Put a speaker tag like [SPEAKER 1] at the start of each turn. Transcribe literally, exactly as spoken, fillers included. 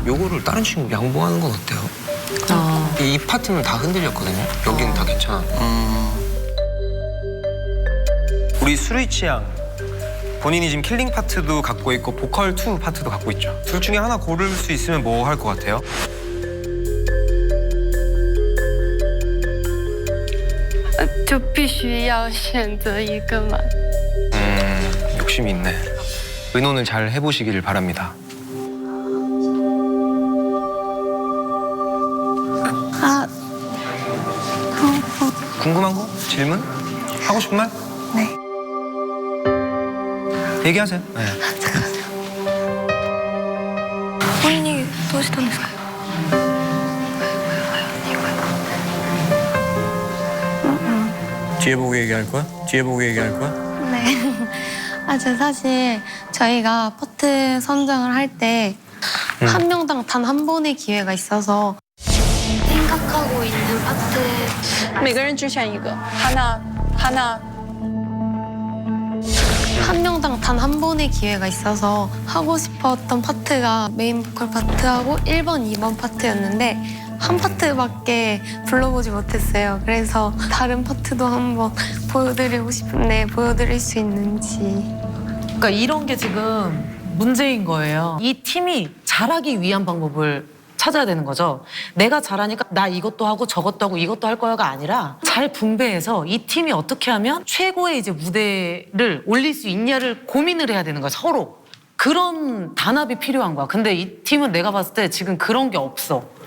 [SPEAKER 1] 요거를 다른 친구 양보하는 건 어때요?
[SPEAKER 2] 아.
[SPEAKER 1] 이, 이 파트는 다 흔들렸거든요. 여기는 다 괜찮아.
[SPEAKER 3] 음. 우리 수루이치 양 본인이 지금 킬링 파트도 갖고 있고 보컬 투 파트도 갖고 있죠. 둘 중에 하나 고를 수 있으면 뭐 할 것 같아요?
[SPEAKER 4] 呃就必须要选择一个嘛。
[SPEAKER 1] 음, 욕심이 있네. 의논을 잘 해보시기를 바랍니다.
[SPEAKER 5] 아,
[SPEAKER 1] 궁금한 거? 질문? 하고 싶은 말?
[SPEAKER 5] 네.
[SPEAKER 1] 얘기하세요. 네.
[SPEAKER 5] 本人にどうしたんですか?
[SPEAKER 3] 뒤에 보고 얘기할 거야? 뒤에 보고 얘기할 거야?
[SPEAKER 5] 네. 아, 저 사실 저희가 파트 선정을 할 때 한 명당 단 한 번의 기회가 있어서 생각하고 있는 파트
[SPEAKER 2] 每个人只选一个。하나, 하나.
[SPEAKER 5] 한 명당 단 한 번의 기회가 있어서 하고 싶었던 파트가 메인 보컬 파트하고 일 번, 이 번 파트였는데 한 파트밖에 불러보지 못했어요. 그래서 다른 파트도 한번 보여드리고 싶은데 보여드릴 수 있는지.
[SPEAKER 6] 그러니까 이런 게 지금 문제인 거예요. 이 팀이 잘하기 위한 방법을 찾아야 되는 거죠. 내가 잘하니까 나 이것도 하고 저것도 하고 이것도 할 거야가 아니라 잘 분배해서 이 팀이 어떻게 하면 최고의 이제 무대를 올릴 수 있냐를 고민을 해야 되는 거야, 서로. 그런 단합이 필요한 거야. 근데 이 팀은 내가 봤을 때 지금 그런 게 없어.